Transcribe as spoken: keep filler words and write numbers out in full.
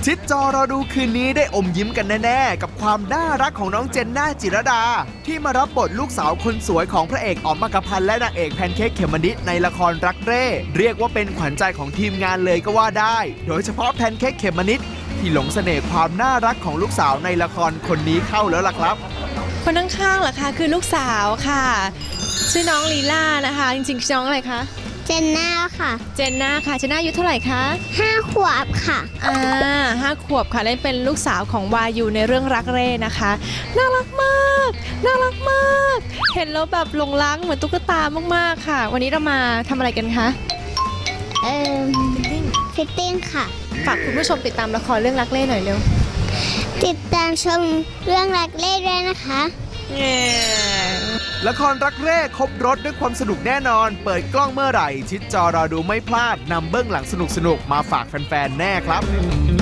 ชิดจอรอดูคืนนี้ได้อมยิ้มกันแน่ๆกับความน่ารักของน้องเจนน่าจิรดาที่มารับบทลูกสาวคนสวยของพระเอกอ๋อมมักกะพันธ์และนางเอกแพนเค้กเขมมะนิดในละครรักเร่เรียกว่าเป็นขวัญใจของทีมงานเลยก็ว่าได้โดยเฉพาะแพนเค้กเขมมะนิดที่หลงเสน่ห์ความน่ารักของลูกสาวในละครคนนี้เข้าแล้วล่ะครับคนข้างๆเหรอคะคือลูกสาวค่ะชื่อน้องลีลานะคะจริงๆชื่อน้องอะไรคะเจนน่าค่ะเจนน่าค่ะเจนน่าอายุเท่าไหร่คะห้าขวบค่ะอ่าห้าขวบค่ะเล่นเป็นลูกสาวของวายูในเรื่องรักเร่นะคะน่ารักมากน่ารักมากเห็นแล้วแบบหลงรักเหมือนตุ๊กตามากๆค่ะวันนี้เรามาทำอะไรกันคะเอ่อฟิตติ้งค่ะฝากคุณผู้ชมติดตามละครเรื่องรักเร่หน่อยเร็วติดตามชมเรื่องรักเร่ด้วยนะคะละครรักเร่ครบรถด้วยความสนุกแน่นอนเปิดกล้องเมื่อไหร่ชิดจอรอดูไม่พลาดนำเบื้องหลังสนุกๆมาฝากแฟนๆแน่ครับ